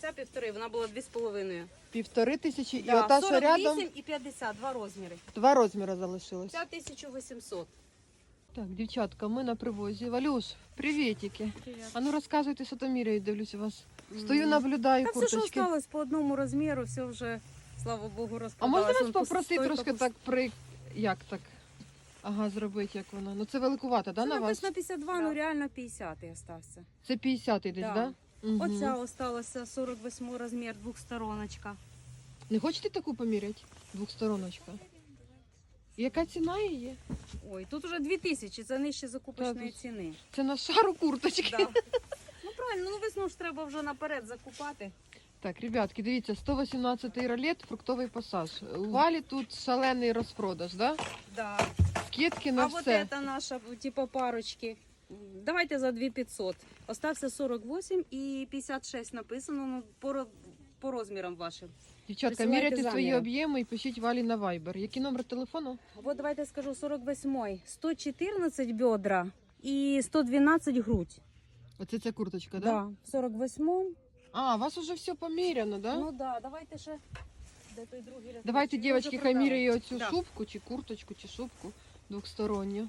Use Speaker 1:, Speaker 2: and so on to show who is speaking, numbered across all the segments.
Speaker 1: Ця 1,5, вона була 2,5.
Speaker 2: 1500 і
Speaker 1: Да,
Speaker 2: ота, що рядом,
Speaker 1: 48 і 50, два розміри.
Speaker 2: 2 розміри залишилось.
Speaker 1: Ця 1800.
Speaker 2: Так, дівчатка, ми на привозі. Валюш, привітики. А ну розказуйте, що там міряють, дивлюсь у вас. Стою, наблюдаю
Speaker 1: Та все, що
Speaker 2: курточки.
Speaker 1: осталось по одному розміру, все вже, слава Богу,
Speaker 2: А
Speaker 1: розпродалось.
Speaker 2: можна вас
Speaker 1: Вон
Speaker 2: попросити
Speaker 1: стойка
Speaker 2: трошки
Speaker 1: пуста.
Speaker 2: так як так? Ага, зробити, як воно. Ну це великувато, да,
Speaker 1: Це
Speaker 2: на вас?
Speaker 1: написано 52, ну реально 50 і остався.
Speaker 2: Це 50-й десь,
Speaker 1: Да.
Speaker 2: да? Угу.
Speaker 1: Оця осталася 48 розмір, двохстороночка.
Speaker 2: Не хочете таку поміряти? Двохстороночка. Яка ціна її?
Speaker 1: Ой, тут уже 2000, це нижче закупочної
Speaker 2: Так.
Speaker 1: ціни.
Speaker 2: Це на шару курточки.
Speaker 1: Да. Ну правильно, ну весну ж треба вже наперед закупати.
Speaker 2: Так, ребятки, дивіться, 118-й ролет, фруктовий пасаж. У Валі тут шалений розпродаж, да?
Speaker 1: Да.
Speaker 2: Скидки на
Speaker 1: А
Speaker 2: все.
Speaker 1: вот это наша, типа парочки. Давайте за 2500. Остався 48 і 56 написано, ну, по розмірам вашим.
Speaker 2: Дівчатка,
Speaker 1: Присилайте
Speaker 2: міряйте свої
Speaker 1: заміри.
Speaker 2: об'єми і пишіть Валі на Viber. Який номер телефону?
Speaker 1: Вот давайте скажу 48, 114 бедра і 112 грудь.
Speaker 2: Оце ця курточка, да?
Speaker 1: Да. В 48.
Speaker 2: А, у вас уже все поміряно, да?
Speaker 1: Ну да, давайте ще. Де той другий ряд?
Speaker 2: Давайте,
Speaker 1: Ми
Speaker 2: дівчатки,
Speaker 1: вже
Speaker 2: хай
Speaker 1: продали.
Speaker 2: міряє оцю
Speaker 1: Да.
Speaker 2: шубку, чи курточку, чи шубку двохсторонню.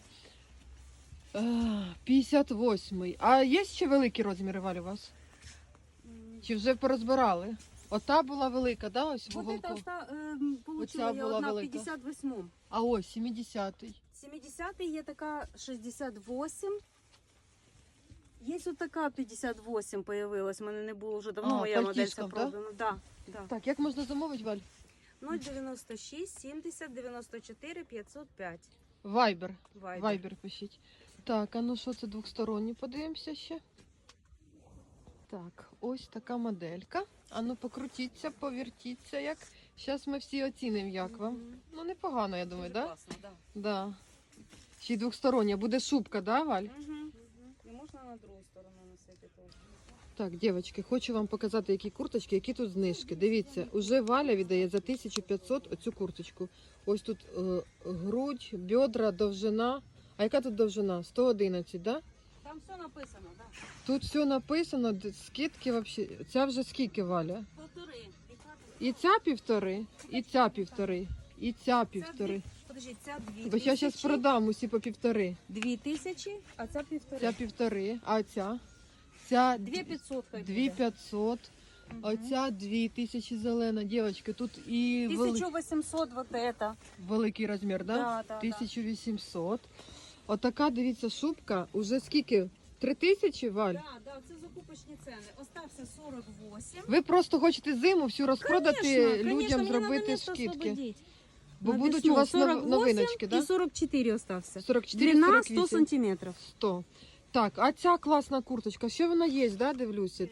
Speaker 2: 58-й. А є ще великі розміри, Валь, у вас? Чи вже порозбирали? Ота була велика, да, ось в
Speaker 1: Вот
Speaker 2: уголку?
Speaker 1: это получила
Speaker 2: Оця
Speaker 1: я
Speaker 2: була
Speaker 1: одна в
Speaker 2: велика.
Speaker 1: 58-му.
Speaker 2: А ось 70-й.
Speaker 1: 70-й є така 68. Є ось така 58 появилась, в мене не було вже давно,
Speaker 2: А,
Speaker 1: моя модель
Speaker 2: пальтішком, да?
Speaker 1: продана. Да, да.
Speaker 2: Так, як можна замовити, Валь?
Speaker 1: 096 70 94 505.
Speaker 2: Вайбер.
Speaker 1: Вайбер.
Speaker 2: Вайбер пишіть. Так, а ну що це двохсторонні? Подивимося ще. Так, ось така моделька. А ну покрутіться, повертіться як. Зараз ми всі оцінимо, як вам. Ну непогано, я думаю,
Speaker 1: Дуже
Speaker 2: так?
Speaker 1: класно, да.
Speaker 2: Да. Ще й двохстороння. Буде шубка, да, Валь?
Speaker 1: І можна на другу сторону носити теж.
Speaker 2: Так, дівчатки, хочу вам показати, які курточки, які тут знижки. Дивіться, уже Валя віддає за 1500 оцю курточку. Ось тут грудь, бедра, довжина. А яка тут довжина? 111, да?
Speaker 1: Там все написано, так. Да.
Speaker 2: Тут все написано, скидки взагалі. Ця вже скільки, Валя?
Speaker 1: Полтори.
Speaker 2: І ця півтори, і ця півтори, і ця півтори.
Speaker 1: Подожди, ця 2000.
Speaker 2: Бо я зараз продам усі по півтори.
Speaker 1: 2000, а ця півтори.
Speaker 2: Ця півтори, а ця? Ця
Speaker 1: 2500 хай буде.
Speaker 2: 2500. Оця 2000 зелена. Дівчатки, тут і
Speaker 1: 1800 вот это.
Speaker 2: великий розмір, да?
Speaker 1: Да, да,
Speaker 2: 1800. Отака, дивіться, шубка. Уже скільки? 3000, Валь?
Speaker 1: Да, да, це закупочні ціни. Остався 48.
Speaker 2: Ви просто хочете зиму всю розпродати, людям
Speaker 1: мені
Speaker 2: зробити
Speaker 1: надо місто
Speaker 2: скидки.
Speaker 1: освободити.
Speaker 2: Бо
Speaker 1: На
Speaker 2: будуть
Speaker 1: весну
Speaker 2: у вас
Speaker 1: 48
Speaker 2: новиночки, да?
Speaker 1: І 44 остався.
Speaker 2: 44,
Speaker 1: Длина
Speaker 2: 48.
Speaker 1: 100 сантиметрів.
Speaker 2: 100. Так, а ця класна курточка, що вона є, да, дивлюся?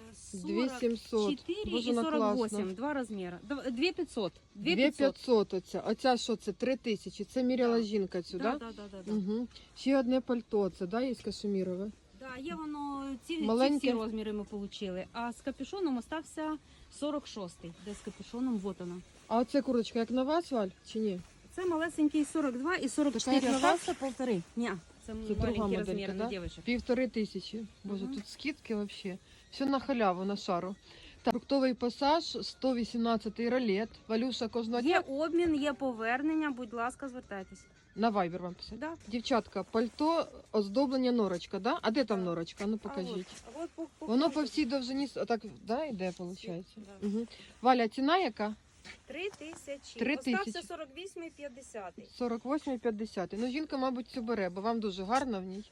Speaker 2: 2700.
Speaker 1: 44
Speaker 2: Боже,
Speaker 1: і
Speaker 2: вона
Speaker 1: 48.
Speaker 2: класна.
Speaker 1: Два розміри. 2500.
Speaker 2: 2500 оця. Оця що це? 3000. Це міряла
Speaker 1: Да.
Speaker 2: жінка цю,
Speaker 1: Да,
Speaker 2: да?
Speaker 1: да, да, да, да.
Speaker 2: Угу. Ще одне пальто, це, да, є кашемірове?
Speaker 1: Да, є воно, ці
Speaker 2: Маленьке.
Speaker 1: всі розміри ми отримали. А з капюшоном остався 46-й. Де з капюшоном, вот вона.
Speaker 2: А оця курточка як на вас, Валь, чи ні?
Speaker 1: Це малесенький 42 і 44
Speaker 2: Така як на вас?
Speaker 1: остався полтори. Ні, це
Speaker 2: Це друга
Speaker 1: маленький
Speaker 2: моделька,
Speaker 1: розмір
Speaker 2: да?
Speaker 1: на дівчинок.
Speaker 2: 1500. Боже,
Speaker 1: Мгм.
Speaker 2: тут скидки вообще. Все на халяву, на шару. Так, фруктовий пасаж, 118 ролет. Валюша кожного
Speaker 1: Є
Speaker 2: дня
Speaker 1: обмін, є повернення, будь ласка, звертайтесь.
Speaker 2: на Viber вам писати.
Speaker 1: Да.
Speaker 2: Дівчатка, пальто, оздоблення норочка, да? А де там
Speaker 1: Да.
Speaker 2: норочка? Ну покажіть.
Speaker 1: А от
Speaker 2: Воно по всій довжині, отак, да, йде, виходить?
Speaker 1: Да.
Speaker 2: Угу. Валя, ціна яка?
Speaker 1: 3000.
Speaker 2: 3000.
Speaker 1: Остався 48 і 50.
Speaker 2: 48,50. Ну, жінка, мабуть, цю бере, бо вам дуже гарно в ній.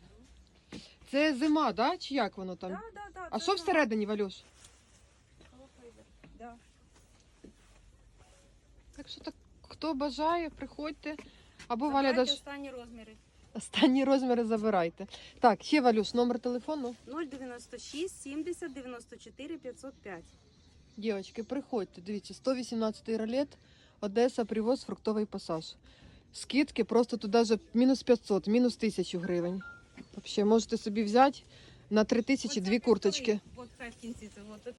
Speaker 2: Це зима, да? Чи як воно там?
Speaker 1: Да, да, да,
Speaker 2: А
Speaker 1: це
Speaker 2: що
Speaker 1: нормально.
Speaker 2: всередині, Валюш?
Speaker 1: Да.
Speaker 2: Так що так, хто бажає, приходьте. Або Валя
Speaker 1: Забирайте
Speaker 2: даш
Speaker 1: останні розміри.
Speaker 2: останні розміри забирайте. Так, ще Валюш, номер телефону.
Speaker 1: 096 70 94 505.
Speaker 2: Дівчатки, приходьте, дивіться, 118 ролет, Одеса, привоз, фруктовий пасаж. Скидки просто тут даже мінус 500, мінус 1000 гривень. Взагалі, можете собі взяти на 3000 дві курточки.
Speaker 1: От хай в кінці це. От